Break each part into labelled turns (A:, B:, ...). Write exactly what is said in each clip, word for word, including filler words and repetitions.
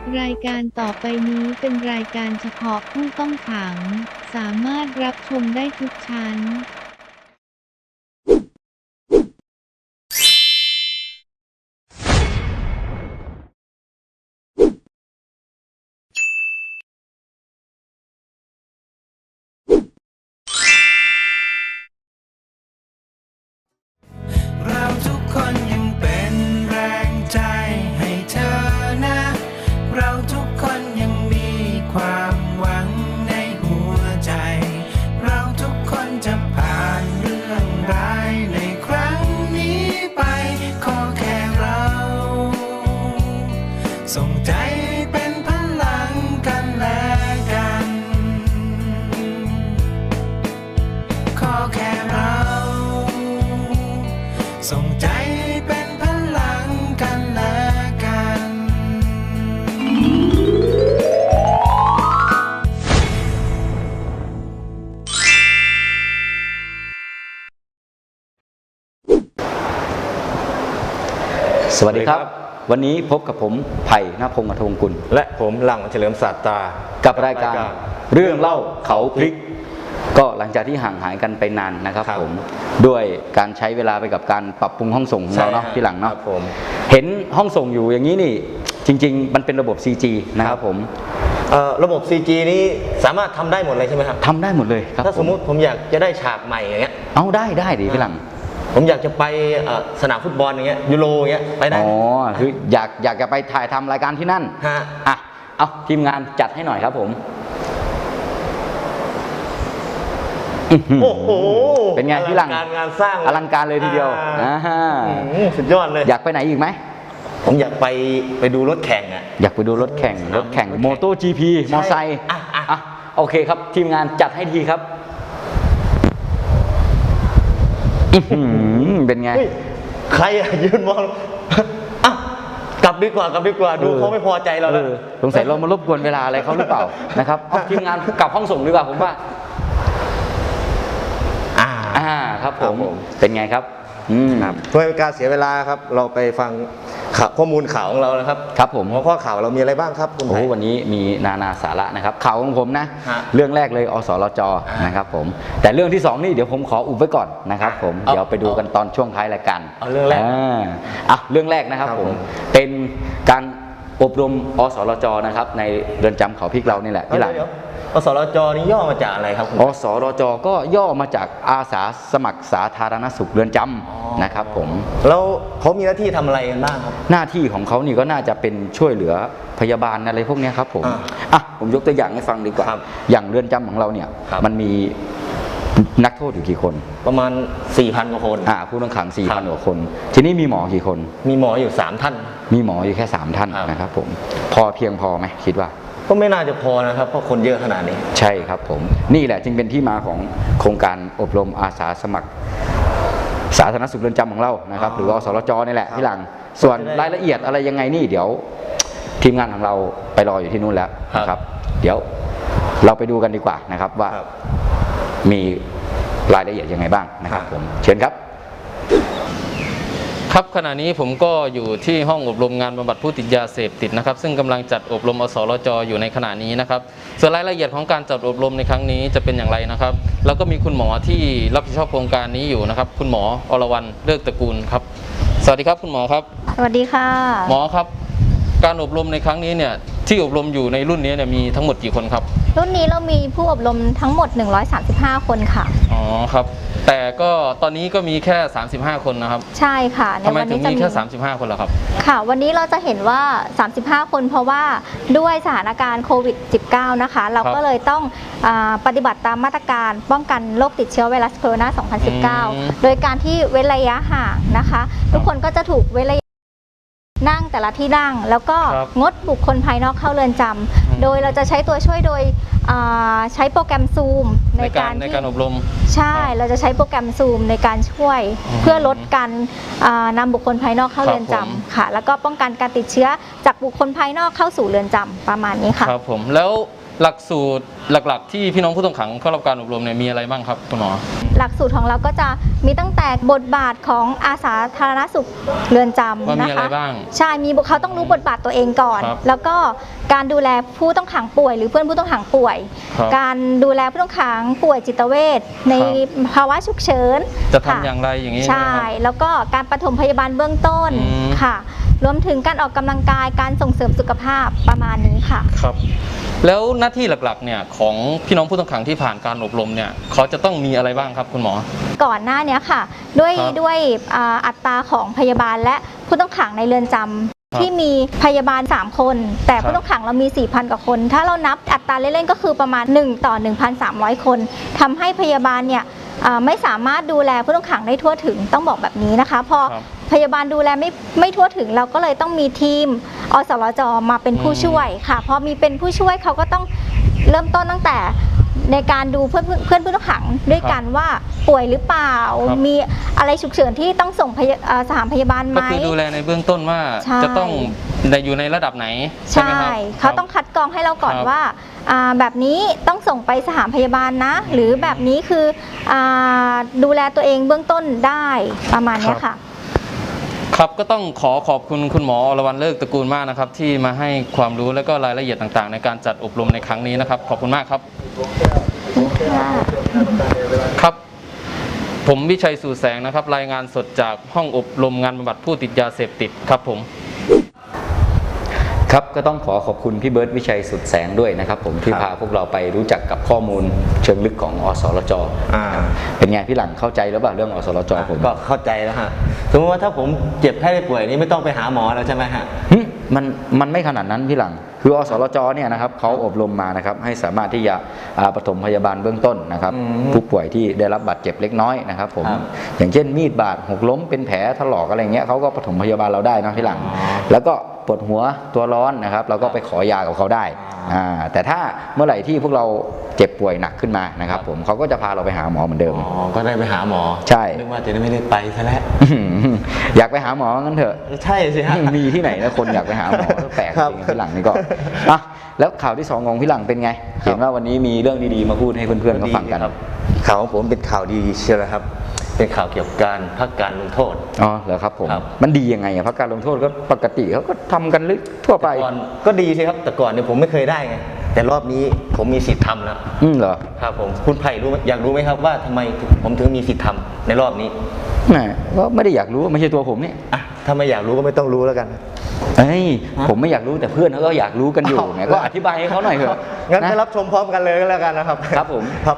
A: รายการต่อไปนี้เป็นรายการเฉพาะผู้ต้องขัง สามารถรับชมได้ทุกชั้น
B: เราทุกคนยังเป็นแรงใจให้เธอนะ เราทุกคนยังมีความหวังในหัวใจ เราทุกคนจะผ่านเรื่องร้ายในครั้งนี้ไป ขอแค่เราส่งใจเป็นพลังกันและกัน ขอแค่เราส่งใจเป็นพลังกันและกัน
C: สวัสดีครับ วันนี้พบกับผมไผ่ณพงษ์อทงกุล
D: และผมหลังเฉลิมศาสตรา
C: กับรายการเรื่องเล่าเขาพลิก ก็หลังจากที่ห่างหายกันไปนานนะครับผมด้วยการใช้เวลาไปกับการปรับปรุงห้องส่งของเราเนาะที่หลังเนาะเห็นห้องส่งอยู่อย่างนี้นี่จริงๆมันเป็นระบบ ซี จี นะครับผม
D: เอ่อระบบ ซี จี นี้สามารถทำได้หมดเลยใช่ไหมครับ
C: ทำได้หมดเลยครับ
D: ถ้าสมมุติผมอยากจะได้ฉากใหม่อย่างเงี้ย
C: เอาได้ได้ดิพี่หลัง
D: ผมอยากจะไปเอ่อสนามฟุตบอลอย่างเงี้ยยูโรอย่างเงี้ยไปได้
C: อ๋
D: ไห
C: อ
D: ม
C: คืออยากอยากจะไปถ่ายทำรายการที่นั่น
D: ฮะ
C: อ่ะเอาทีมงานจัดให้หน่อยครับผมอื้อหือ
D: โอ้โห
C: เป็นไงพี่หลัง
D: อลังการงานสร้าง
C: อลังการเลยทีเดียว
D: อ่า
C: อ่า
D: อืมสุดยอดเลย
C: อยากไปไหนอีกไหม
D: ผมอยากไปไปดูรถแข่งอ่ะ
C: อยากไปดูรถแข่ง รถแข่ง
D: รถแข่ง
C: โมโต จี พี
D: ใช่
C: มอไซค์
D: อ่ะอ่ะ
C: อ่ะโอเคครับ ทีมงานจัดให้ทีครับอื้อหือเป็นไง
D: เฮ้ยใครอะยืนมองอ่ะกลับดีกว่ากลับดีกว่าดูเขาไม่พอใจเราแล้ว
C: ออสงสัยเรามารบกวนเวลาอะไรเขาหรือเปล่า นะครับเอาทีมงานกลับห้องส่งดีกว่าผมว่า
D: อ่า
C: อ่าครับผ
D: ครับ
C: ม
D: ผม
C: เป็นไงครับอืม
D: ครับเพื่อเป็นการเสียเวลาครับเราไปฟังข่าวข้อมูลข่าวของเรานะครับ
C: ครับผม
D: หัวข้อข่าวเรามีอะไรบ้างครับคุณ
C: โอ้
D: ไผ่
C: วันนี้มีนานาสาระนะครับข่าวของผมนะ
D: ฮะ
C: เรื่องแรกเลยอสรจ
D: อ่าน
C: นะครับผมแต่เรื่องที่สองนี่เดี๋ยวผมขออุบไว้ก่อนนะครับผม
D: เอา
C: เดี๋ยวไปดูกันตอนช่วงท้ายรายการ
D: เอาเรื่องแรก
C: อ่ะเรื่องแรกนะครับ
D: ครับ
C: ผ
D: ผม ม
C: เป็นการอบรมอสรจนะครับในเรือนจำเขาพริกเรานี่แหละที่หลัง
D: เดี๋ยวอสรจนี่ย่อมาจากอะไรครับคุณ
C: อสรจก็ย่อมาจากอาสาสมัครสาธารณสุขเรือนจ
D: อ๋อ
C: ำนะครับผม
D: แล้วเขามีหน้าที่ทำอะไรกันบ้างครับ
C: หน้าที่ของเขานี่ก็น่าจะเป็นช่วยเหลือพยาบาลอะไรพวกเนี้ยครับผม
D: อ่า
C: อ่ะผมยกตัวอย่างให้ฟังดีกว่า
D: ครับ
C: อย่างเรือนจำของเราเนี่ย
D: ครับ
C: มันมีนักโทษอยู่กี่คน
D: ประมาณ สี่พัน กว่าคน
C: อ่าผู้ต้องขังสี่
D: ครั
C: พัน
D: บ
C: กว่าคน ทีนี้มีหมอกี่คน
D: มีหมออยู่สามท่าน
C: มีหมออยู่แค่สามท่าน
D: ครับ
C: นะครับผมพอเพียงพอไหมคิดว่า
D: ก็ไม่น่าจะพอนะครับเพราะคนเยอะขนาดนี้
C: ใช่ครับผมนี่แหละจึงเป็นที่มาของโครงการอบรมอาสาสมัคร สาธารณสุขเรือนจำของเรานะครับ
D: อ๋อ
C: หรือว่าอสรจนี่แหละ
D: ครับ
C: พี่หลัง ส่วน
D: จะได้
C: รายละเอียดอะไรยังไงนี่เดี๋ยว ทีมงานของเราไปรออยู่ที่นู่นแล้ว
D: ครับ
C: นะครับ เดี๋ยวเราไปดูกันดีกว่านะครับว่า
D: ครับ
C: มีรายละเอียดยังไงบ้างนะครับ
D: ครับ
C: ผมเชิญครับ
E: ครับขณะนี้ผมก็อยู่ที่ห้องอบรมงานบำบัดผู้ติดยาเสพติดนะครับซึ่งกำลังจัดอบรมอสรจอยู่ในขณะนี้นะครับส่วนรายละเอียดของการจัดอบรมในครั้งนี้จะเป็นอย่างไรนะครับแล้วก็มีคุณหมอที่รับผิดชอบโครงการนี้อยู่นะครับคุณหมออรวรรณเลิกตระกูลครับสวัสดีครับคุณหมอครับ
F: สวัสดีค่ะ
E: หมอครับการอบรมในครั้งนี้เนี่ยที่อบรมอยู่ในรุ่นนี้เนี่ยมีทั้งหมดกี่คนครับ
F: รุ่นนี้เรามีผู้อบรมทั้งหมดหนึ่งร้อยสามสิบห้าคนค่ะ
E: อ๋อครับแต่ก็ตอนนี้ก็มีแค่สามสิบห้าคนนะครับ
F: ใช่ค่ะใน
E: ทำไม
F: วัน
E: ถึ
F: นี้
E: ง
F: จะ
E: มี
F: มี
E: แค่สามสิบห้าคนล่ะครับ
F: ค่ะ วันนี้เราจะเห็นว่า สามสิบห้า คนเพราะว่าด้วยสถานการณ์โควิด สิบเก้า นะคะ เราก็เลยต้องอาปฏิบัติตามมาตรการป้องกันโรคติดเชื้อไวรัสโคโรนา สองพันสิบเก้า
E: อืม
F: โดยการที่เว้นระยะห่างนะคะ ทุกคนก็จะถูกเว้นระยะนั่งแต่ละที่นั่ง แล้วก็
E: ครับ
F: งดบุคคลภายนอกเข้าเรือนจำ
E: ม
F: โดยเราจะใช้ตัวช่วยโดยอ่าใช้โปรแกรมซูม
E: ในการใน
F: ที่
E: การอบรม
F: ใช่
E: ครับ
F: เราจะใช้โปรแกรมซูมในการช่วย
E: อืม
F: เพื่อลดการอ่านำบุคคลภายนอกเข้า
E: ครับ
F: เรือน
E: ผม
F: จำค่ะ แล้วก็ป้องกันการติดเชื้อจากบุคคลภายนอกเข้าสู่เรือนจำประมาณนี้ค่ะ
E: ครับผมแล้วหลักสูตรหลักๆ ที่พี่น้องผู้ต้องขังเข้ารับการอบรมเนี่ยมีอะไรบ้างครับคุณหมอ
F: หลักสูตรของเราก็จะมีตั้งแต่บทบาทของอาสาธารณสุขเรือนจำ
E: ว่ามี
F: นะ
E: อะไร
F: คะ
E: บ้าง
F: ใช่มีเขาต้องรู้บทบาทตัวเองก่อน
E: ครับ
F: แล้วก็การดูแลผู้ต้องขังป่วย หรือเพื่อนผู้ต้องขังป่วย
E: ครับ
F: การดูแลผู้ต้องขังป่วยจิตเวชใน
E: ครับ
F: ภาวะฉุกเฉิน
E: จะทำ
F: ค่
E: อย่างไรอย่างนี้
F: ใช่
E: ไหมครับ
F: แล้วก็การปฐมพยาบาลเบื้องต้น
E: อืม
F: ค่ะ รวมถึงการออกกำลังกายการส่งเสริมสุขภาพประมาณนี้ค่ะ
E: ครับแล้วหน้าที่หลักๆเนี่ยของพี่น้องผู้ต้องขังที่ผ่านการอบรมเนี่ยเขาจะต้องมีอะไรบ้างครับคุณหมอ
F: ก่อนหน้านี้ค่ะ ด้วย
E: ครับ
F: ด้วยอ่าอัตราของพยาบาลและผู้ต้องขังในเรือนจำ
E: ครับ
F: ที่มีพยาบาล สาม คน แต่
E: ครับ
F: ผู้ต้องขังเรามี สี่พัน กว่าคน ถ้าเรานับอัตราเล่นๆก็คือประมาณ หนึ่ง ต่อ หนึ่งพันสามร้อย คนทำให้พยาบาลเนี่ยอ่าไม่สามารถดูแลผู้ต้องขังได้ทั่วถึงต้องบอกแบบนี้นะคะพอ
E: ครับ
F: พยาบาลดูแลไม่ไม่ทั่วถึงเราก็เลยต้องมีทีมอสรจมาเป็นผู้
E: อืม
F: ช่วยค่ะพอมีเป็นผู้ช่วยเขาก็ต้องเริ่มต้นตั้งแต่ในการดูเพื่อนเพื่อนผู้ต้องขังด้วยกันว่าป่วยหรือเปล่า
E: ครับ
F: มีอะไรฉุกเฉินที่ต้องส่งพยาเอ่อสถานพยาบาลไหม
E: ก็คือดูแลในเบื้องต้นว่า
F: ใช่
E: จะต้องอยู่ในระดับไหนใช่
F: ใช่
E: ไหมครับ
F: เขาต้องคัดกรองให้เราก่อน
E: ครับ
F: ว่าอ่าแบบนี้ต้องส่งไปสถานพยาบาลนะ หรือแบบนี้คืออาดูแลตัวเองเบื้องต้นได้ประมาณเนี้ยค่ะ
E: ครับก็ต้องขอขอบคุณคุณหมออรวรรณเลิกตระกูลมากนะครับที่มาให้ความรู้และก็รายละเอียดต่างๆ ในการจัดอบรมในครั้งนี้นะครับขอบคุณมากครับครับ ผมวิชัยสู่แสงนะครับรายงานสดจากห้องอบรมงานบำบัดผู้ติดยาเสพติดครับผม
C: ครับก็ต้องขอขอบคุณพี่เบิร์ตวิชัยสุดแสงด้วยนะครับผมที่
D: ครับ
C: พาพวกเราไปรู้จักกับข้อมูลเชิงลึกของอสรจ
D: อ่า
C: เป็นไงพี่หลังเข้าใจหรือเปล่าเรื่องอสรจผม
D: ก็เข้าใจแล้วฮะสมมติว่าถ้าผมเจ็บไข้ได้ป่วยนี่ไม่ต้องไปหาหมอแล้วใช่ไหมฮะ
C: หึมันมันไม่ขนาดนั้นพี่หลังคืออสรจเนี่ยนะครับเขาอบรมมานะครับให้สามารถที่จะอ่าปฐมพยาบาลเบื้องต้นนะครับ
D: อืม
C: ผู้ป่วยที่ได้รับบาดเจ็บเล็กน้อยนะครับผม
D: ครับ
C: อย่างเช่นมีดบาดหกล้มเป็นแผลถลอกอะไรเงี้ยเขาก็ปฐมพยาบาลเราได้นะพี่หลัง
D: อ๋อ
C: แล้วก็ปวดหัวตัวร้อนนะครับเราก็ไปขอยากับเขาได้
D: อ่า
C: อ่าแต่ถ้าเมื่อไหร่ที่พวกเราเจ็บป่วยหนักขึ้นมานะครับผมเขาก็จะพาเราไปหาหมอเหมือนเดิม
D: อ๋อก็ได้ไปหาหมอ
C: ใช่
D: นึกว่าจะได้ไม่ได้ไปซะแล้ว
C: อยากไปหาหมองั้นเถอะ
D: ใช่สิฮะ
C: มีที่ไหนนะคนอยากไปหาหมอแปลก
D: ครับ
C: จริงๆพี่หลังนี่ก็อ่ะแล้วข่าวที่สองของพี่หลังเป็นไง เห็นว่าวันนี้มีเรื่องดีๆมาพูดให้เพื่อนๆเขาฟังกัน
D: ครับข่าวของผมเป็นข่าวดีเชียวนะครับ เป็นข่าวเกี่ยวกับการพักการลงโทษ
C: อ๋อเหรอครับผม
D: ครับ
C: มันดียังไงอะเพราะการลงโทษก็ปกติเขาก็ทำกันลึกทั่วไป
D: ก่อนก็ดีสิครับแต่ก่อนเนี่ยผมไม่เคยได้ไงแต่รอบนี้ผมมีสิทธิ์ทำแล้ว
C: อืมเหรอ
D: ครับผมคุณไผ่รู้ไหมอยากรู้ไหมครับว่าทำไมผมถึงมีสิทธิ์ทำในรอบนี้
C: แหมก็ไม่ได้อยากรู้ไม่ใช่ตัวผมนี่
D: อ่ะถ้าไม่อยากรู้ก็ไม่ต้องรู้แล้วกัน
C: เอ้ยผมไม่อยากรู้แต่เพื่อนเขาก็อยากรู้กันอยู่ไงก็อธิบายให้เขาหน่อยเถอะ
D: งั้นไป
C: นะ
D: รับชมพร้อมกันเลยก็แล้วกันนะครับ
C: ครับผม
D: ครับ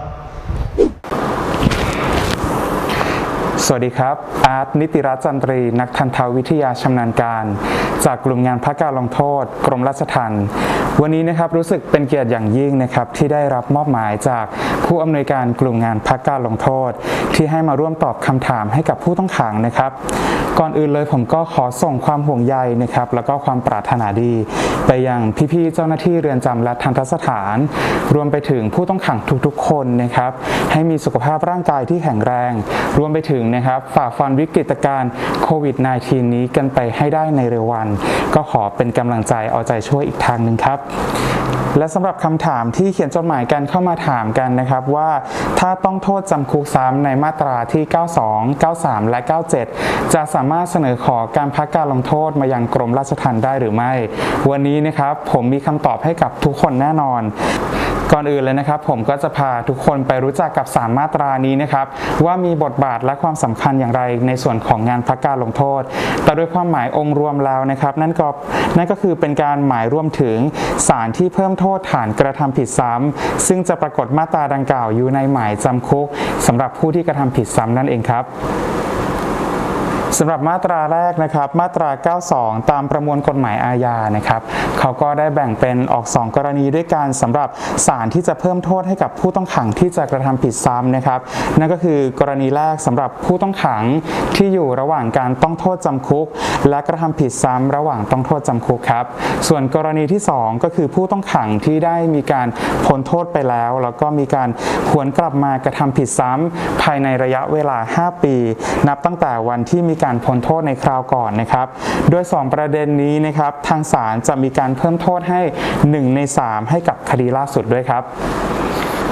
G: สวัสดีครับ อาร์ตนิติรัตน์จันทรีนักทันตวิทยาชำนาญการ จากกลุ่มงานพักการลงโทษ กรมราชทัณฑ์วันนี้นะครับรู้สึกเป็นเกียรติอย่างยิ่งนะครับที่ได้รับมอบหมายจากผู้อำนวยการกลุ่มงานพักการลงโทษ ที่ให้มาร่วมตอบคำถามให้กับผู้ต้องขังนะครับ ก่อนอื่นเลยผมก็ขอส่งความห่วงใยนะครับแล้วก็ความปรารถนาดีไปยังพี่ๆเจ้าหน้าที่เรือนจำและทันตสถาน รวมไปถึงผู้ต้องขังทุกๆคนนะครับให้มีสุขภาพร่างกายที่แข็งแรง รวมไปถึงนะครับฝ่าฟันวิกฤตการณ์โควิด สิบเก้า นี้กันไปให้ได้ในเร็ววัน ก็ขอเป็นกำลังใจเอาใจช่วยอีกทางหนึ่งครับ และสำหรับคำถามที่เขียนจดหมายกันเข้ามาถามกันนะครับว่าถ้าต้องโทษจำคุกซ้ำในมาตราที่ เก้าสอง เก้าสาม และ เก้าเจ็ด จะสามารถเสนอขอการพักการลงโทษมายังกรมราชทัณฑ์ได้หรือไม่ วันนี้นะครับผมมีคำตอบให้กับทุกคนแน่นอน ก่อนอื่นเลยนะครับผมก็จะพาทุกคนไปรู้จักกับสามมาตรานี้นะครับว่ามีบทบาทและความสำคัญอย่างไรในส่วนของงานพักการลงโทษ แต่โดยความหมายองค์รวมแล้วนะครับนั่นก็นั่นก็คือเป็นการหมายรวมถึงสารที่เพิ่มโทษฐานกระทำผิดซ้ำซึ่งจะปรากฏมาตราดังกล่าวอยู่ในหมายจำคุกสำหรับผู้ที่กระทำผิดซ้ำนั่นเองครับสำหรับมาตราแรกนะครับมาตรา เก้าสอง ตามประมวลกฎหมายอาญานะครับเขาก็ได้แบ่งเป็นออกสองกรณีด้วยกันสำหรับศาลที่จะเพิ่มโทษให้กับผู้ต้องขังที่จะกระทำผิดซ้ำนะครับนั่นก็คือกรณีแรกสำหรับผู้ต้องขังที่อยู่ระหว่างการต้องโทษจำคุกและกระทำผิดซ้ำระหว่างต้องโทษจำคุกครับส่วนกรณีที่สองก็คือผู้ต้องขังที่ได้มีการพ้นโทษไปแล้วแล้วก็มีการหวนกลับมากระทำผิดซ้ำภายในระยะเวลาห้าปีนับตั้งแต่วันที่มีการพ้นโทษในคราวก่อนนะครับโดยสองประเด็นนี้นะครับทางศาลจะมีการเพิ่มโทษให้หนึ่งในสามให้กับคดีล่าสุดด้วยครับ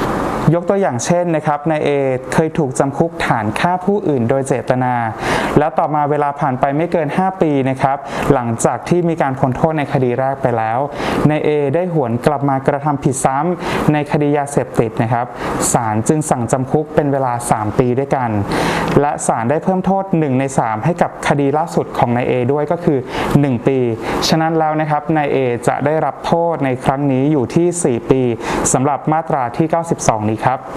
G: ยกตัวอย่างเช่นนะครับนายเอเคยถูกจำคุกฐานฆ่าผู้อื่นโดยเจตนา และต่อมาเวลาผ่านไปไม่เกินห้าปีนะครับหลังจากที่มีการพ้นโทษในคดีแรกไปแล้วนายเอได้หวนกลับมากระทำผิดซ้ำในคดียาเสพติดนะครับศาลจึงสั่งจำคุกเป็นเวลาสามปีด้วยกันและศาลได้เพิ่มโทษหนึ่งในสามให้กับคดีล่าสุดของนายเอด้วยก็คือหนึ่งปีฉะนั้นแล้วนะครับนายเอจะได้รับโทษในครั้งนี้อยู่ที่สี่ปีสำหรับมาตราที่เก้าสิบสองนี้ครับ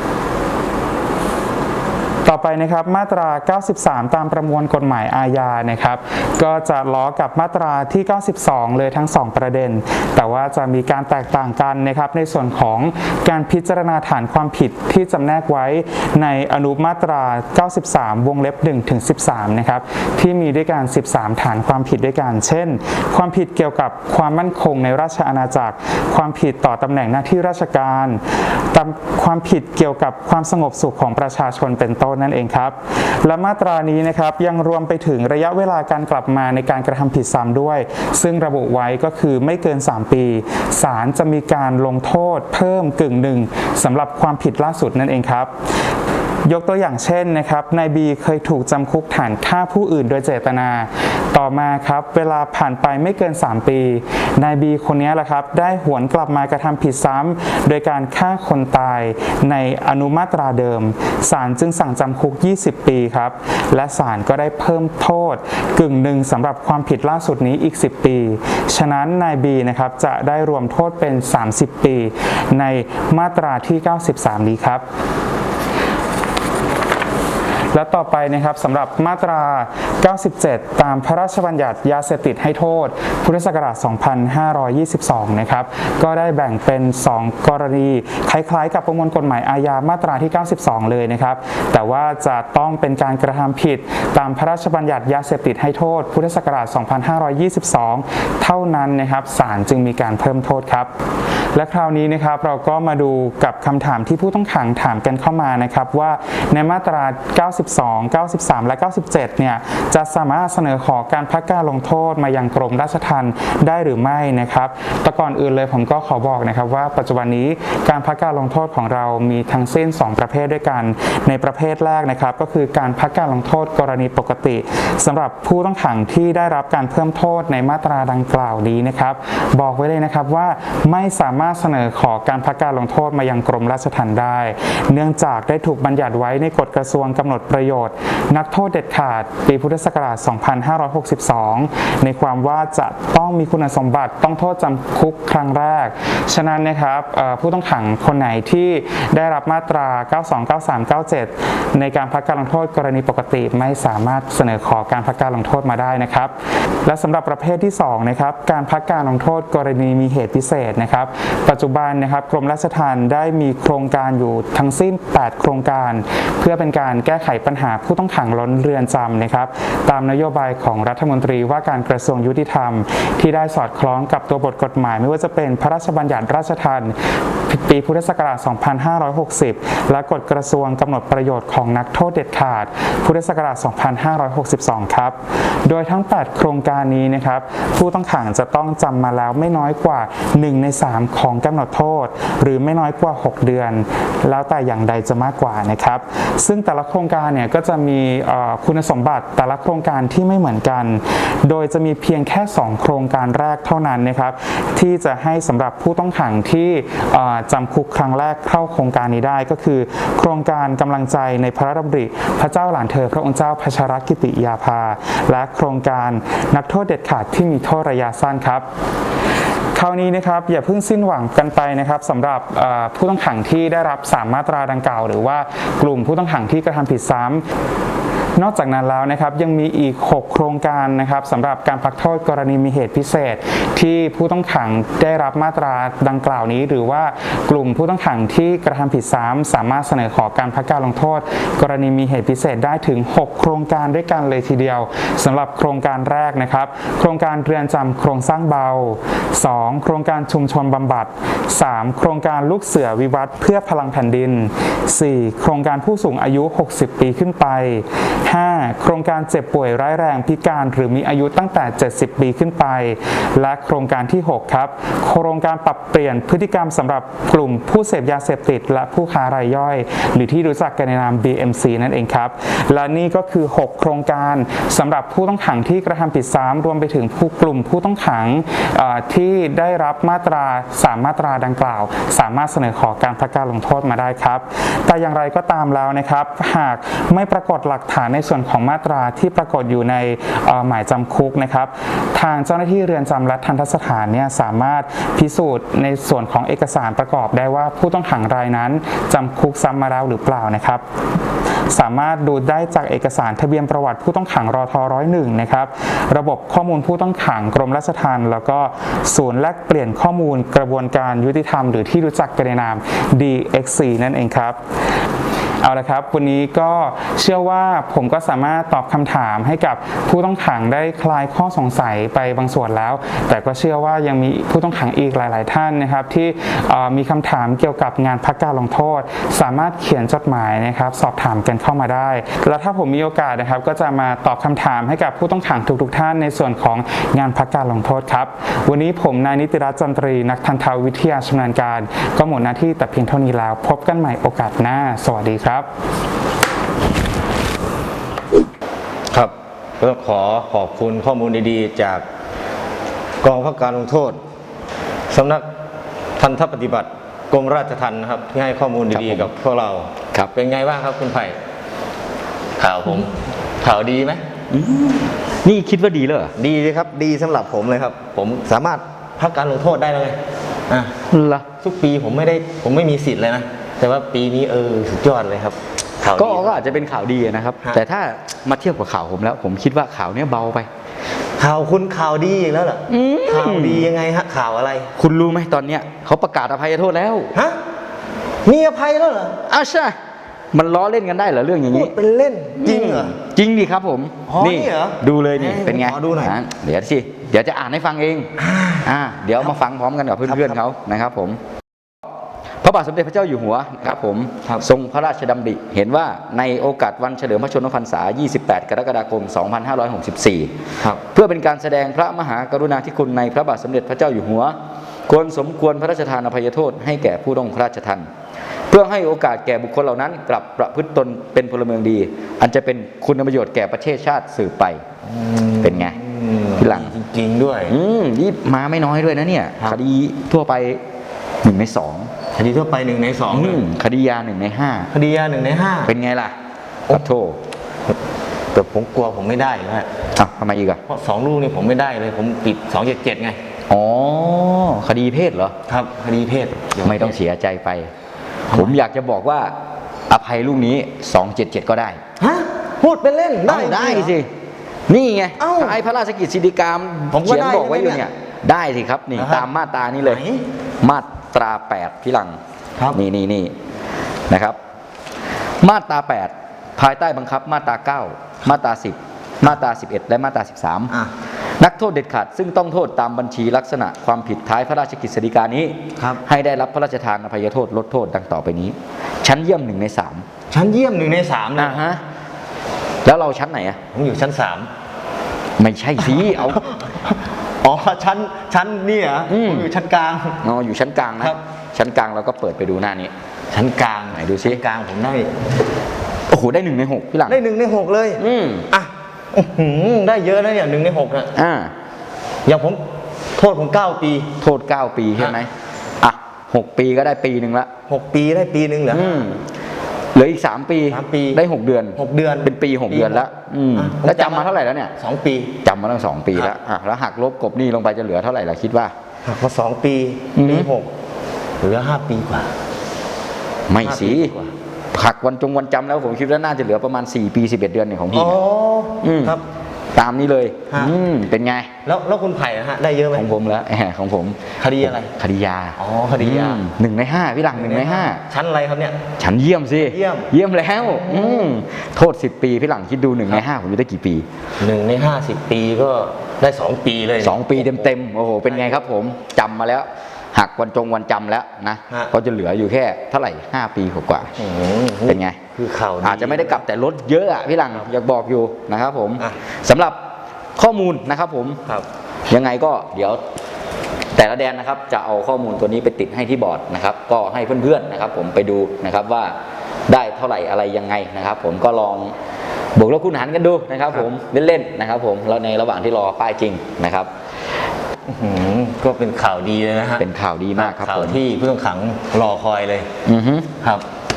G: ต่อไปนะครับมาตราเก้าสิบสามตามประมวลกฎหมายอาญานะครับก็จะล้อกับมาตราที่เก้าสิบสองเลยทั้งสองประเด็นแต่ว่าจะมีการแตกต่างกันนะครับในส่วนของการพิจารณาฐานความผิดที่จำแนกไว้ในอนุมาตราเก้าสิบสามวงเล็บหนึ่งถึงสิบสามนะครับที่มีด้วยกันสิบสามฐานความผิดด้วยกันเช่นความผิดเกี่ยวกับความมั่นคงในราชอาณาจักรความผิดต่อตำแหน่งหน้าที่ราชการความผิดเกี่ยวกับความสงบสุขของประชาชนเป็นต้นนั่นเองครับและมาตรานี้นะครับยังรวมไปถึงระยะเวลาการกลับมาในการกระทำผิดซ้ำด้วยซึ่งระบุไว้ก็คือไม่เกินสามปีศาลจะมีการลงโทษเพิ่มกึ่งหนึ่งสำหรับความผิดล่าสุดนั่นเองครับยกตัวอย่างเช่นนะครับนายบีเคยถูกจำคุกฐานฆ่าผู้อื่นโดยเจตนาต่อมาครับเวลาผ่านไปไม่เกินสามปีนายบีคนนี้แหละครับได้หวนกลับมากระทำผิดซ้ำโดยการฆ่าคนตายในอนุมาตราเดิมศาลจึงสั่งจำคุกยี่สิบปีครับและศาลก็ได้เพิ่มโทษกึ่งหนึ่งสำหรับความผิดล่าสุดนี้อีกสิบปีฉะนั้นนายบีนะครับจะได้รวมโทษเป็นสามสิบปีในมาตราที่เก้าสิบสามนี้ครับและต่อไปนะครับสำหรับมาตราเก้าสิบเจ็ดตามพระราชบัญญัติยาเสพติดให้โทษพุทธศักราชสองพันห้าร้อยยี่สิบสองนะครับก็ได้แบ่งเป็นสองกรณีคล้ายๆกับประมวลกฎหมายอาญามาตราที่เก้าสิบสองเลยนะครับแต่ว่าจะต้องเป็นการกระทำผิดตามพระราชบัญญัติยาเสพติดให้โทษพุทธศักราชสองพันห้าร้อยยี่สิบสองเท่านั้นนะครับศาลจึงมีการเพิ่มโทษครับและคราวนี้นะครับเราก็มาดูกับคำถามที่ผู้ต้องขังถามกันเข้ามานะครับว่าในมาตราเก้าสิบสอง เก้าสิบสาม และ เก้าสิบเจ็ดเนี่ยจะสามารถเสนอขอการพักการลงโทษมายังกรมราชทัณฑ์ได้หรือไม่นะครับแต่ก่อนอื่นเลยผมก็ขอบอกนะครับว่าปัจจุบันนี้การพักการลงโทษของเรามีทั้งสิ้นสองประเภทด้วยกันในประเภทแรกนะครับก็คือการพักการลงโทษกรณีปกติสำหรับผู้ต้องขังที่ได้รับการเพิ่มโทษในมาตราดังกล่าวนี้นะครับบอกไว้เลยนะครับว่าไม่สามารถเสนอขอการพักการลงโทษมายังกรมราชทัณฑ์ได้เนื่องจากได้ถูกบัญญัติไว้ในกฎกระทรวงกำหนดประโยชน์นักโทษเด็ดขาดปีพุทธศักราชสองพันห้าร้อยหกสิบสองในความว่าจะต้องมีคุณสมบัติต้องโทษจำคุกครั้งแรกฉะนั้นนะครับผู้ต้องขังคนไหนที่ได้รับมาตราเก้าสิบสอง เก้าสิบสาม เก้าสิบเจ็ดในการพักการลงโทษกรณีปกติไม่สามารถเสนอขอการพักการลงโทษมาได้นะครับและสำหรับประเภทที่สองนะครับการพักการลงโทษกรณีมีเหตุพิเศษนะครับปัจจุบันนะครับกรมราชทัณฑ์ได้มีโครงการอยู่ทั้งสิ้นแปดโครงการเพื่อเป็นการแก้ไขปัญหาผู้ต้องขังล้นเรือนจำนะครับตามนโยบายของรัฐมนตรีว่าการกระทรวงยุติธรรมที่ได้สอดคล้องกับตัวบทกฎหมายไม่ว่าจะเป็นพระราชบัญญัติราชทัณฑ์ปีพุทธศักราชสองพันห้าร้อยหกสิบและกฎกระทรวงกำหนดประโยชน์ของนักโทษเด็ดขาดพุทธศักราชสองพันห้าร้อยหกสิบสองครับโดยทั้งแปดโครงการนี้นะครับผู้ต้องขังจะต้องจำมาแล้วไม่น้อยกว่าหนึ่งในสามของกำหนดโทษหรือไม่น้อยกว่าหกเดือนแล้วแต่อย่างใดจะมากกว่านะครับซึ่งแต่ละโครงการเนี่ยก็จะมีคุณสมบัติแต่ละโครงการที่ไม่เหมือนกันโดยจะมีเพียงแค่สองโครงการแรกเท่านั้นนะครับที่จะให้สำหรับผู้ต้องขังที่จำคุกครั้งแรกเข้าโครงการนี้ได้ก็คือโครงการกำลังใจในพระราชดำริพระเจ้าหลานเธอพระองค์เจ้าพัชรกิติยาภาและโครงการนักโทษเด็ดขาดที่มีโทษระยะสั้นครับคราวนี้นะครับอย่าเพิ่งสิ้นหวังกันไปนะครับสำหรับผู้ต้องขังที่ได้รับสามมาตราดังกล่าวหรือว่ากลุ่มผู้ต้องขังที่กระทำผิดซ้ำนอกจากนั้นแล้วนะครับยังมีอีกหกโครงการนะครับสำหรับการพักโทษกรณีมีเหตุพิเศษที่ผู้ต้องขังได้รับมาตราดังกล่าวนี้หรือว่ากลุ่มผู้ต้องขังที่กระทำผิดซ้ำสามารถเสนอขอการพักการลงโทษกรณีมีเหตุพิเศษได้ถึงหกโครงการด้วยกันเลยทีเดียวสำหรับโครงการแรกนะครับโครงการเรือนจำโครงสร้างเบาสองโครงการชุมชนบำบัดสามโครงการลูกเสือวิวัฒน์เพื่อพลังแผ่นดินสี่โครงการผู้สูงอายุหกสิบปีขึ้นไปห้า โครงการเจ็บป่วยร้ายแรงพิการหรือมีอายุตั้งแต่ เจ็ดสิบ ปีขึ้นไป และโครงการที่ หก ครับ โครงการปรับเปลี่ยนพฤติกรรมสำหรับกลุ่มผู้เสพยาเสพติดและผู้ค้ารายย่อย หรือที่รู้จักกันในนาม บี เอ็ม ซี นั่นเองครับ และนี่ก็คือ หก โครงการสำหรับผู้ต้องขังที่กระทำผิดซ้ำรวมไปถึงผู้กลุ่มผู้ต้องขังที่ได้รับมาตราสามมาตราดังกล่าว สามารถเสนอขอการพักการลงโทษมาได้ครับแต่อย่างไรก็ตามแล้วนะครับหากไม่ปรากฏหลักฐานในส่วนของมาตราที่ปรากฏอยู่ในหมายจำคุกนะครับทางเจ้าหน้าที่เรือนจำและทันตสถานเนี่ยสามารถพิสูจน์ในส่วนของเอกสารประกอบได้ว่าผู้ต้องขังรายนั้นจำคุกซ้ำมาแล้วหรือเปล่านะครับสามารถดูได้จากเอกสารทะเบียนประวัติผู้ต้องขังรทร้อยหนึ่งนะครับระบบข้อมูลผู้ต้องขังกรมราชทัณฑ์แล้วก็ศูนย์แลกเปลี่ยนข้อมูลกระบวนการยุติธรรมหรือที่รู้จักกันในนาม ดี เอ็กซ์ ซี นั่นเองครับเอาละครับวันนี้ก็เชื่อว่าผมก็สามารถตอบคำถามให้กับผู้ต้องขังได้คลายข้อสงสัยไปบางส่วนแล้ว แต่ก็เชื่อว่ายังมีผู้ต้องขังอีกหลายๆท่านนะครับที่มีคำถามเกี่ยวกับงานพักการลงโทษสามารถเขียนจดหมายนะครับสอบถามกันเข้ามาได้แล้วถ้าผมมีโอกาสนะครับก็จะมาตอบคำถามให้กับผู้ต้องขังทุกๆท่านในส่วนของงานพักการลงโทษครับวันนี้ผมนายนิติรัตน์จันทรีนักทันตวิทยาชำนาญการก็หมดหน้าที่แต่เพียงเท่านี้แล้วพบกันใหม่โอกาสหน้าสวัสดีครับ
D: ครับก็ขอขอบคุณข้อมูลดีๆจากกองพักการลงโทษสำนักทันตปฏิบัติกรมราชทัณฑ์นะครับที่ให้ข้อมูลดีๆกับพวกเราครับเป็นไงบ้างครับคุณไผ่ข่าวผมข่าวดีไหม
C: นี่คิดว่าดีเลยเหรอ
D: ดีเลยครับดีสำหรับผมเลยครับผมสามารถพักการลงโทษได้เลยอ่ะ
C: ล่ะ
D: ทุกปีผมไม่ได้ผมไม่มีสิทธิ์เลยนะแต่ว่าปีนี้เออสุดยอดเลยครับ
C: ก็ก็อาจจะเป็นข่าวดีนะครับแต่ถ้ามาเทียบกับข่าวผมแล้วผมคิดว่าข่าวนี้เบาไป
D: ข่าวคุณข่าวดีอีกแล้วเหรอข่าวดียังไงฮะข่าวอะไร
C: คุณรู้ไหมตอนเนี้ยเขาประกาศอภัยโทษแล้ว
D: ฮะมีอภัยแล้วเหรอ
C: อ้าวใช่มันล้อเล่นกันได้เหรอเรื่องอย่างนี้
D: เป็นเล่นจริงเหรอ
C: จริงดิครับผม
D: นี่
C: ดูเลยนี่เป็นไง
D: ดูหน่อย
C: เดี๋ยวสิเดี๋ยวจะอ่านให้ฟังเองอ่าเดี๋ยวมาฟังพร้อมกันกับเพื่อนๆเขานะครับผมพระบาทสมเด็จพระเจ้าอยู่หัวครับผมทรงพระราชดำริเห็นว่าในโอกาสวันเฉลิมพระชนมพรรษายี่สิบแปดกรกฎาคมสองพันห้าร้อยหกสิบสี่เพื่อเป็นการแสดงพระมหากรุณาธิคุณในพระบาทสมเด็จพระเจ้าอยู่หัวควรสมควรพระราชทานอภัยโทษให้แก่ผู้ต้องพระราชทัณฑ์เพื่อให้โอกาสแก่บุคคลเหล่านั้นกลับประพฤติตนเป็นพลเมืองดีอันจะเป็นคุณประโยชน์แก่ประเทศชาติสืบไปเป็นไง
D: พี่หลังจริงๆด้วย
C: นี่มาไม่น้อยด้วยนะเนี่ยคดีทั่วไปหนึ่งในสอง
D: คดีทั่วไปหนึ่งในสอง
C: คดียาหนึ่งในห้า
D: คดียาหนึ่งในห้า
C: เป็นไงล่ะขอโทษ
D: แต่ผมกลัวผมไม่ได้นะ
C: อ่ะทำไมอีกอ่ะ
D: เพราะสองลูกนี่ผมไม่ได้เลยผมปิดสองเจ็ดเจ็ดไง
C: อ๋อคดีเพศเหรอ
D: ครับคดีเพศ
C: ไม่ต้องเสียใจไปผมอยากจะบอกว่าอภัยลูกนี้สองเจ็ดเจ็ดก็ได้
D: ฮะพูดเป็นเล่นได้
C: ได้สินี่ไงท้ายพระราชกิจสิทธิกรรมเขียนบอกไว้อยู่เนี่ยได้สิครับนี่ตามมาตรานี้เลยมาตราแปดพี่หลังนี่นี่นี่นะครับมาตราแปดภายใต้บังคับมาตราเก้ามาตราสิบมาตราสิบเอ็ดและมาตราสิบสามนักโทษเด็ดขาดซึ่งต้องโทษตามบัญชีลักษณะความผิดท้ายพระราชกฤษฎีกานี้ให้ได้รับพระราชทานอภัยโทษลดโทษดังต่อไปนี้ชั้นเยี่ยมหนึ่งในสาม
D: ชั้นเยี่ยมหนึ่งในสาม
C: นะฮะแล้วเราชั้นไหนอ่ะ
D: ผมอยู่ชั้นสาม
C: ไม่ใช่สิเอา
D: อ๋อชั้นชั้นนี่เหรอผมอยู่ชั้นกลาง
C: อ๋ออยู่ชั้นกลางนะชั้นกลางเราก็เปิดไปดูหน้านี้
D: ชั้นกลาง
C: ไหนดูซิ
D: กลางผมได้
C: โอ้โหได้หนึ่งในหกพี่หลัง
D: ได้หนึ่งในหกเลย
C: อืม
D: อ่ะได้เยอะนะเนี่ยหนึ่งในหกนะ
C: อ่า
D: อย่างผมโทษผมเก้าปี
C: โทษเก้าปีใช่ไหมอ่ะหกปีก็ได้ปีหนึ่งละ
D: หกปีได้ปีหนึ่งเหรอ
C: เหลืออีกสามปีได้หกเดือน
D: หกเดือน
C: เป็นปีหกเดือนแล้วแล้วจำมาเท่าไหร่แล้วเนี่ย
D: สองปี
C: จำมาตั้งสองปีแล้วอ่ะแล้วหักลบกบหนี้ลงไปจะเหลือเท่าไหร่ล่ะคิดว่า
D: หักมาสองปีปีหกเหลือห้าปีกว่า
C: ไม่สิหักวันจงวันจำแล้วผมคิดว่าน่าจะเหลือประมาณสี่ปีสิบเอ็ดเดือนเนี่ยของพี่
D: อ๋อครับ
C: ตามนี้เลยอืมเป็นไง
D: แล้วแล้วคุณไผ่ฮะได้เยอะไหม
C: ของผมแล้วแหมของผม
D: คดีอะไร
C: คดียา
D: อ๋อคดียา
C: หนึ่งในห้าพี่หลังหนึ่งในห้า
D: ชั้นอะไรครับเนี่ย
C: ชั้นเยี่ยมสิ
D: เยี่ยม
C: เยี่ยมแล้วอืมโทษสิบปีพี่หลังคิดดูหนึ่งในห้าผมจะได้กี่ปี
D: หนึ่งในห้าสิบปีก็ได้สองปีเลย
C: สองปีเต็มเต็มโอ้โหเป็นไงครับผมจำมาแล้วหักวันจงวันจำแล้วนะ
D: ฮะ
C: ก็จะเหลืออยู่แค่เท่าไหร่ห้าปีกว่า
D: อืม
C: ๆเป็นไง
D: คือข่าว
C: อาจจะไม่ได้กลับแต่รถเยอะอะพี่หลังอยากบอกอยู่นะครับผม
D: อ่ะ
C: สำหรับข้อมูลนะครับผม
D: ครับ
C: ยังไงก็เดี๋ยวแต่ละแดนนะครับจะเอาข้อมูลตัวนี้ไปติดให้ที่บอร์ดนะครับ ก็ให้เพื่อนๆนะครับผมไปดูนะครับว่าได้เท่าไหร่อะไรยังไงนะครับ ผมก็ลองบวกลบคูณหารกันดูนะครับผมเล่นๆนะครับผมแล้วในระหว่างที่รอป้ายจริงนะครับ
D: อื้อหือก็เป็นข่าวดีเลยนะฮะ
C: เป็นข่าวดีมากครับ
D: ข่า
C: ผ
D: ว
C: ม
D: ที่ผู้ต้องขังรอคอยเลย
C: อือฮึ
D: ครับ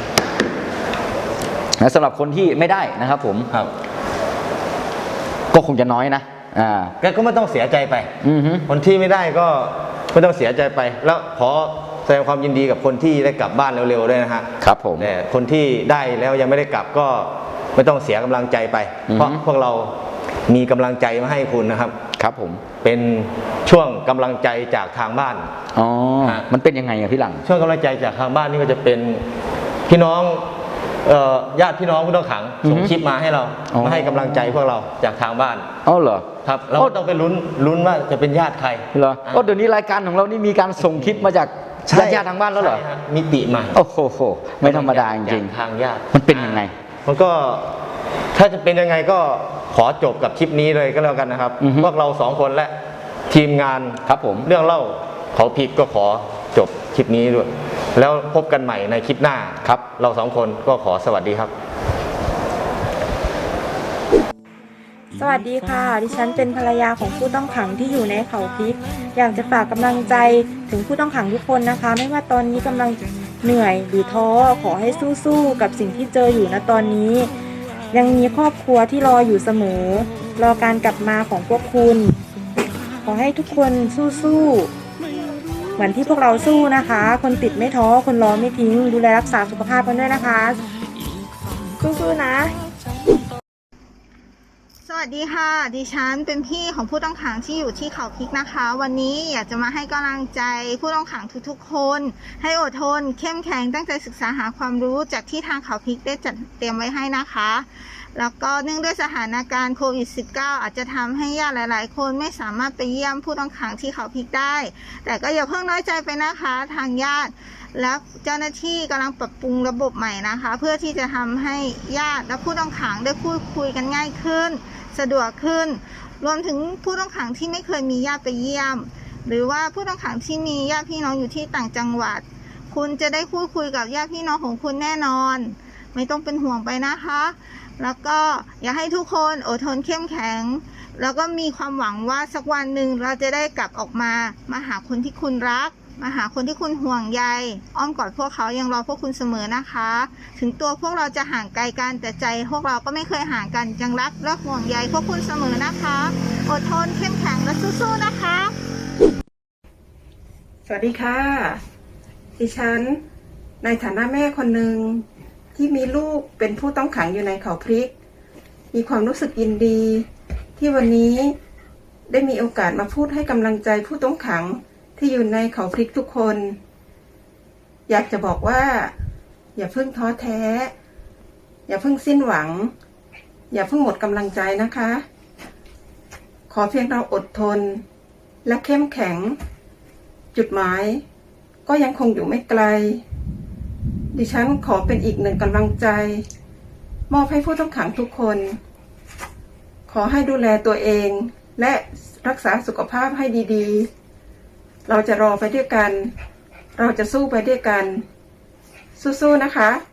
C: และสำหรับคนที่ไม่ได้นะครับผม
D: ครับ
C: ก็คงจะน้อยนะอ่า
D: แกก็ไม่ต้องเสียใจไป
C: อือฮึ
D: คนที่ไม่ได้ก็ไม่ต้องเสียใจไป แล้วขอแสดงความยินดีกับคนที่ได้กลับบ้านเร็วๆด้วยนะฮะ
C: ครับผม
D: แต่คนที่ได้แล้วยังไม่ได้กลับก็ไม่ต้องเสียกำลังใจไป
C: อือฮึ
D: เพราะพวกเรามีกำลังใจมาให้คุณนะครับ
C: ครับผม
D: เป็นช่วงกำลังใจจากทางบ้าน
C: อ๋อ
D: ฮะ
C: มันเป็นยังไงอะพี่หลัง
D: ช่วงกำลังใจจากทางบ้านนี่ก็จะเป็นพี่น้องเอ่อญาติพี่น้องผู้ต้องขังส่ง
C: อือฮึ
D: คลิปมาให้เรา
C: อ๋อ
D: มาให้กำลังใจพวกเราจากทางบ้าน
C: อ๋อเหรอ
D: ครับเราก็ต้องไปลุ้นลุ้นว่าจะเป็นญาติใคร
C: เหรอก็เดี๋ยวนี้รายการของเรานี่มีการส่งคลิปมาจาก
D: ใช่
C: ญาติๆทางบ้านแล้วเหรอ
D: ใช่ฮะมิติใหม่
C: โอ้โหไม่ธรรมดาจริง
D: จากทางญาติ
C: มันเป็นยังไง
D: มันก็ถ้าจะเป็นยังไงก็ขอจบกับคลิปนี้เลยก็แล้วกันนะครับ
C: อือฮึ
D: พวกเราสองคนและทีมงาน
C: ๆครับผม
D: เรื่องเล่าเขาผิดก็ขอจบคลิปนี้ด้วย แล้วพบกันใหม่ในคลิปหน้า
C: ครับ
D: เราสองคนก็ขอสวัสดีครับ
H: สวัสดีค่ะ ดิฉันเป็นภรรยาของผู้ต้องขังที่อยู่ในเขาพริก อยากจะฝากกำลังใจถึงผู้ต้องขังทุกคนนะคะ ไม่ว่าตอนนี้กำลังเหนื่อยหรือท้อขอให้สู้ๆกับสิ่งที่เจออยู่ณตอนนี้ ยังมีครอบครัวที่รออยู่เสมอ รอการกลับมาของพวกคุณ ขอให้ทุกคนสู้ๆเหมือนที่พวกเราสู้นะคะ คนติดไม่ท้อคนรอไม่ทิ้ง ดูแลรักษาสุขภาพกันด้วยนะคะ สู้ๆนะ
I: สวัสดีค่ะ ดิฉันเป็นพี่ของผู้ต้องขังที่อยู่ที่เขาพริกนะคะ วันนี้อยากจะมาให้กำลังใจผู้ต้องขังทุกๆคน ให้อดทนเข้มแข็งตั้งใจศึกษาหาความรู้จากที่ทางเขาพริกได้จัดเตรียมไว้ให้นะคะ แล้วก็เนื่องด้วยสถานการณ์โควิด สิบเก้า อาจจะทำให้ญาติหลายๆคนไม่สามารถไปเยี่ยมผู้ต้องขังที่เขาพริกได้ แต่ก็อย่าเพิ่งน้อยใจไปนะคะทางญาติ และเจ้าหน้าที่กำลังปรับปรุงระบบใหม่นะคะ เพื่อที่จะทำให้ญาติและผู้ต้องขังได้พูดคุยกันง่ายขึ้น สะดวกขึ้น รวมถึงผู้ต้องขังที่ไม่เคยมีญาติไปเยี่ยม หรือว่าผู้ต้องขังที่มีญาติพี่น้องอยู่ที่ต่างจังหวัด คุณจะได้พูดคุยกับญาติพี่น้องของคุณแน่นอน ไม่ต้องเป็นห่วงไปนะคะ แล้วก็อยากให้ทุกคนอดทนเข้มแข็ง แล้วก็มีความหวังว่าสักวันหนึ่งเราจะได้กลับออกมา มาหาคนที่คุณรัก มาหาคนที่คุณห่วงใย อ้อมกอดพวกเขายังรอพวกคุณเสมอนะคะ ถึงตัวพวกเราจะห่างไกลกันแต่ใจพวกเราก็ไม่เคยห่างกันยังรักและห่วงใยพวกคุณเสมอนะคะ อดทนเข้มแข็งและสู้ๆนะคะ
H: สวัสดีค่ะ ดิฉันในฐานะแม่คนหนึ่งที่มีลูกเป็นผู้ต้องขังอยู่ในเขาพริก มีความรู้สึกยินดี ที่วันนี้ได้มีโอกาสมาพูดให้กำลังใจผู้ต้องขังที่อยู่ในเขาพริกทุกคน อยากจะบอกว่า อย่าเพิ่งท้อแท้ อย่าเพิ่งสิ้นหวัง อย่าเพิ่งหมดกำลังใจนะคะ ขอเพียงเราอดทนและเข้มแข็ง จุดหมายก็ยังคงอยู่ไม่ไกล ดิฉันขอเป็นอีกหนึ่งกำลังใจ มอบให้ผู้ต้องขังทุกคน ขอให้ดูแลตัวเองและรักษาสุขภาพให้ดีๆ เราจะรอไปด้วยกัน เราจะสู้ไปด้วยกัน สู้ๆนะคะ